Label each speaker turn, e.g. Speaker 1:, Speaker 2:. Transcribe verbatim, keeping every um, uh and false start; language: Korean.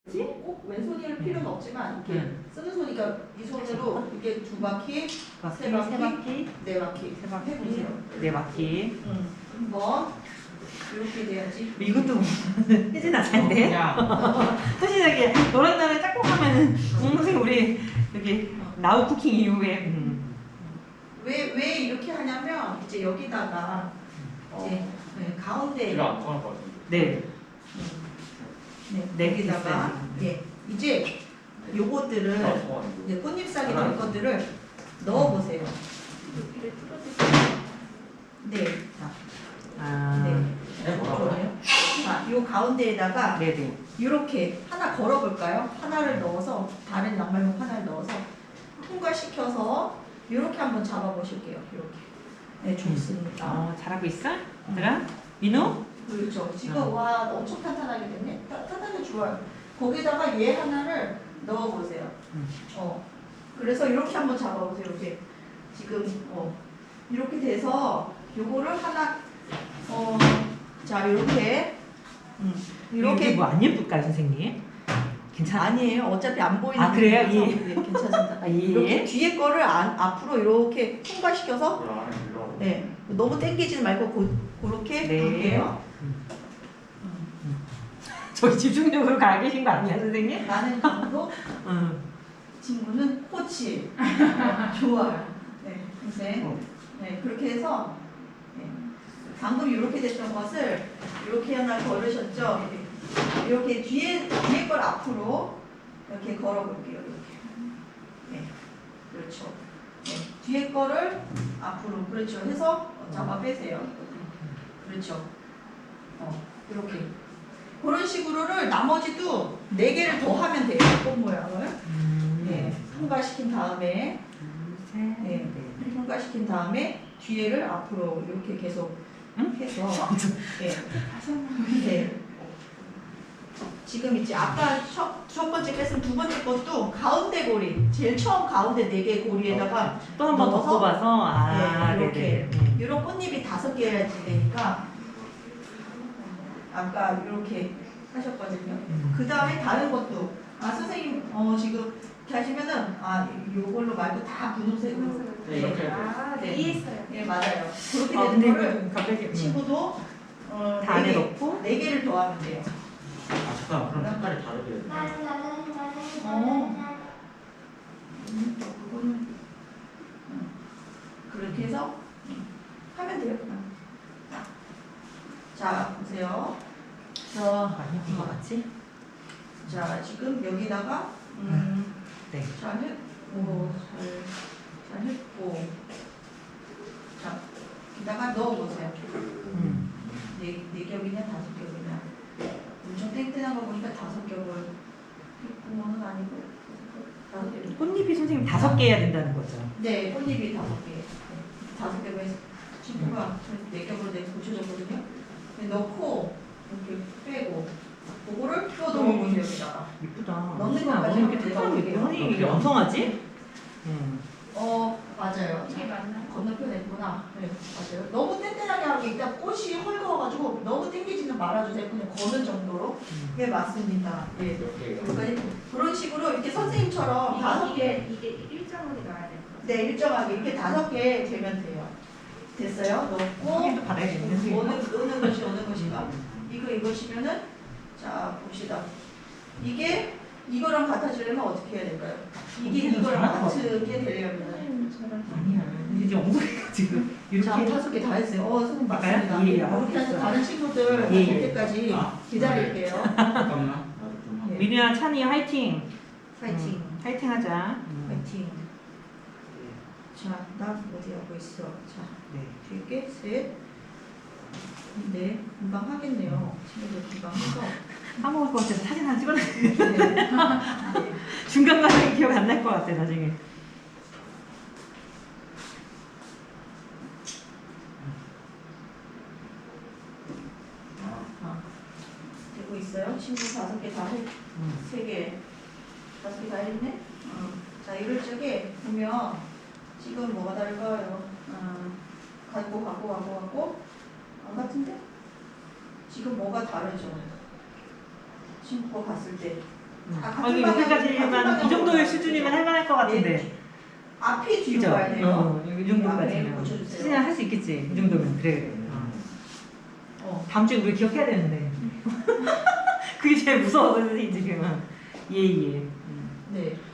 Speaker 1: 꼭 왼손일 필요는 없지만 이렇게 응. 쓰는 손이니까 이 손으로 이렇게 두 바퀴,
Speaker 2: 바퀴,
Speaker 1: 세 바퀴,
Speaker 2: 세 바퀴,
Speaker 1: 네 바퀴,
Speaker 2: 세 바퀴,
Speaker 1: 해보세요.
Speaker 2: 네 바퀴.
Speaker 1: 응. 한번 이렇게 돼야지.
Speaker 2: 이것도 혜진아 잘 돼? 혜진에게 너랑 나랑 짝꿍 하면은 응, 선생님 우리 여기 나우 쿠킹 이후에 음.
Speaker 1: 왜, 왜 이렇게 하냐면 이제 여기다가 이제 네, 가운데
Speaker 3: 제가 안 통할 것 같은데.
Speaker 2: 네.
Speaker 1: 네,
Speaker 2: 네,
Speaker 1: 여기다가 예, 이제 요것들을
Speaker 3: 제가 통하는데.
Speaker 1: 이제 꽃잎사귀 될 것들을 넣어보세요. 네, 자,
Speaker 2: 아,
Speaker 1: 네,
Speaker 3: 네, 뭐라고요?
Speaker 1: 좋아요. 자, 요 가운데에다가
Speaker 2: 네네.
Speaker 1: 이렇게 하나 걸어볼까요? 하나를 넣어서 다른 양말목 하나를 넣어서 통과시켜서 이렇게 한번 잡아보실게요. 이렇게. 네, 좋습니다.
Speaker 2: 어, 잘하고 있어? 얘들아? 민우?
Speaker 1: 그렇죠. 지금
Speaker 2: 음.
Speaker 1: 와 엄청 탄탄하게 됐네. 따, 탄탄하게 좋아요. 거기다가 얘 하나를 넣어보세요.
Speaker 2: 음.
Speaker 1: 어. 그래서 이렇게 한번 잡아보세요. 이렇게 지금 어 이렇게 돼서 요거를 하나 어 자 이렇게 음.
Speaker 2: 이렇게
Speaker 1: 이렇게
Speaker 2: 뭐 안 예쁠까요 선생님? 괜찮아?
Speaker 1: 아니에요. 어차피 안 보이는
Speaker 2: 아, 그래요?
Speaker 1: 부분이라서
Speaker 2: 예.
Speaker 1: 네, 괜찮습니다.
Speaker 2: 아, 예.
Speaker 1: 이렇게 뒤에 거를 안, 앞으로 이렇게 통과시켜서
Speaker 3: 야, 이거.
Speaker 1: 네 너무 당기지는 말고 고, 그렇게
Speaker 2: 네.
Speaker 1: 할게요.
Speaker 2: 저희 집중력으로 가 계신 거 아니야 선생님?
Speaker 1: 나는 정도
Speaker 2: 응.
Speaker 1: 친구는 코치. 네, 좋아요. 네, 선생.
Speaker 2: 어.
Speaker 1: 네, 그렇게 해서 네, 방금 이렇게 됐던 것을 이렇게 하나 걸으셨죠? 이렇게 뒤에 뒤에 걸 앞으로 이렇게 걸어볼게요. 이렇게. 네, 그렇죠. 네, 뒤에 거를 앞으로 그렇죠. 해서 잡아 빼세요. 그렇죠. 어, 이렇게. 그런 식으로를 나머지도 네 개를 더 하면 돼요. 꽃 모양을.
Speaker 2: 음.
Speaker 1: 네, 통과시킨 다음에
Speaker 2: 둘, 셋,
Speaker 1: 네,
Speaker 2: 넷.
Speaker 1: 통과시킨 다음에 뒤에를 앞으로 이렇게 계속
Speaker 2: 응?
Speaker 1: 해서 네. 네. 지금 이제 아까 첫, 첫 번째 뺐은 두 번째 것도 가운데 고리 제일 처음 가운데 네 개 고리에다가
Speaker 2: 또 한 번 더
Speaker 1: 넣어서
Speaker 2: 뽑아서 아,
Speaker 1: 네, 이렇게
Speaker 2: 네네. 음.
Speaker 1: 이런 꽃잎이 다섯 개야지 되니까 아까 이렇게 하셨거든요.
Speaker 2: 음.
Speaker 1: 그 다음에 다른 것도 아 선생님 어 지금 이렇게 하시면은 아 요걸로 말고 다 분홍색으로
Speaker 3: 네, 이렇게.
Speaker 4: 아,
Speaker 1: 네.
Speaker 4: 네. 이해했어요.
Speaker 1: 네 맞아요. 그렇게
Speaker 2: 아,
Speaker 1: 되는
Speaker 2: 근데
Speaker 1: 거를
Speaker 2: 이거 갑자기 음.
Speaker 1: 친구도 어,
Speaker 2: 다 안에
Speaker 1: 네 개,
Speaker 2: 넣고
Speaker 1: 네 개를 더하면 돼요.
Speaker 3: 아, 잠깐. 그럼 색깔이 다르게. 해야 돼.
Speaker 1: 어. 음, 그거는 음, 그렇게 해서 음, 하면 돼요. 그냥. 자 보세요. 자,
Speaker 2: 많이 한것 같지?
Speaker 1: 자 지금 여기다가 음,
Speaker 2: 네.
Speaker 1: 잘 했고 잘, 잘 했고 자 여기다가 넣어보세요.
Speaker 2: 음.
Speaker 1: 네, 네 겹이냐 다섯 겹이냐 엄청 땡땡한 거 보니까 다섯 겹을 했구먼은 아니고 다섯 겹.
Speaker 2: 꽃잎이 선생님 다섯 개 해야 된다는 거죠?
Speaker 1: 네, 꽃잎이 다섯 개. 네, 다섯 겹을 해서 친구가 네 겹으로 내가 고쳐줬거든요. 네, 넣고 이렇게 빼고 그거를 또 넣어보세요 여기다가.
Speaker 2: 이쁘다.
Speaker 1: 넣는
Speaker 2: 아,
Speaker 1: 것까지
Speaker 2: 뭐 이렇게
Speaker 1: 한번
Speaker 2: 특별한 게
Speaker 1: 넣어볼게요.
Speaker 2: 선생님 이게 엉성하지? 음.
Speaker 1: 어 맞아요.
Speaker 4: 이게 맞나?
Speaker 1: 건너편에 있구나. 네, 맞아요. 너무 땡땡하게 하고 일단 꽃이 헐거워가지고 너무 땡기지는 말아주세요. 그냥 거는 정도로.
Speaker 2: 음.
Speaker 1: 네, 맞습니다. 네.
Speaker 3: 이렇게.
Speaker 1: 여기까지 그런 식으로 이렇게 선생님처럼 다섯 개,
Speaker 4: 이게 이게 일정하게 넣어야 돼.
Speaker 1: 네, 일정하게 이렇게 다섯 개 되면 돼요. 됐어요? 넣고
Speaker 2: 확인도 받아야겠네 선생님.
Speaker 1: 어느 어느 것이 어느 것인가? 이거 이것이면은 자 봅시다. 이게 이거랑 같아지려면 어떻게 해야 될까요? 이게
Speaker 2: 어떻게
Speaker 1: 이거랑
Speaker 2: 잘할 것
Speaker 1: 같게 되려면
Speaker 4: 선생님처럼.
Speaker 2: 아니야. 이제 엉성해가 지금
Speaker 1: 자,
Speaker 2: 이렇게
Speaker 1: 다섯 개 다 했어요. 어, 선생님
Speaker 2: 할까요?
Speaker 1: 맞습니다.
Speaker 2: 예, 예,
Speaker 1: 이렇게 해서
Speaker 2: 알겠어요.
Speaker 1: 다른 친구들
Speaker 2: 예,
Speaker 1: 올
Speaker 2: 예.
Speaker 1: 때까지
Speaker 3: 아,
Speaker 1: 기다릴게요.
Speaker 3: 잠깐만. 나도 좀 하고.
Speaker 1: 예.
Speaker 2: 민우야, 찬이 화이팅.
Speaker 1: 파이팅.
Speaker 2: 음, 화이팅 하자. 음.
Speaker 1: 파이팅. 자, 나 어디 하고 있어? 자,
Speaker 2: 네.
Speaker 1: 뒤에 게 셋. 네, 금방 하겠네요. 친구들 금방 해서.
Speaker 2: 까먹을 것 같아서 사진 하나 찍어놔.
Speaker 1: 네.
Speaker 2: 중간 과정이 기억 안 날 것 같아 나중에.
Speaker 1: 아, 되고 있어요. 친구 다섯 개 다 했,
Speaker 2: 음.
Speaker 1: 세 개, 다섯 개 다 했네. 어. 자, 이럴 적에 보면 지금 뭐가 다를까요? 어, 갖고 갖고 갖고 갖고 안 같은데? 지금 뭐가 다르죠? 친구가 봤을 때
Speaker 2: 음.
Speaker 1: 아,
Speaker 2: 아,
Speaker 1: 같은
Speaker 2: 이게
Speaker 1: 방향,
Speaker 2: 여기까지만
Speaker 1: 같은
Speaker 2: 이 정도의
Speaker 1: 방향으로
Speaker 2: 수준이면 할만할 것 같은데.
Speaker 1: 앞이 뒤로
Speaker 2: 그죠?
Speaker 1: 가야 돼요.
Speaker 2: 어, 이
Speaker 1: 앞에
Speaker 2: 정도까지는.
Speaker 1: 고쳐주세요.
Speaker 2: 수진아 할 수 있겠지. 이 정도면 그래. 어.
Speaker 1: 어.
Speaker 2: 다음 주에 우리 기억해야 되는데. 그게 제일 무서워서 선생님 지금은. 예예. 음.
Speaker 1: 네.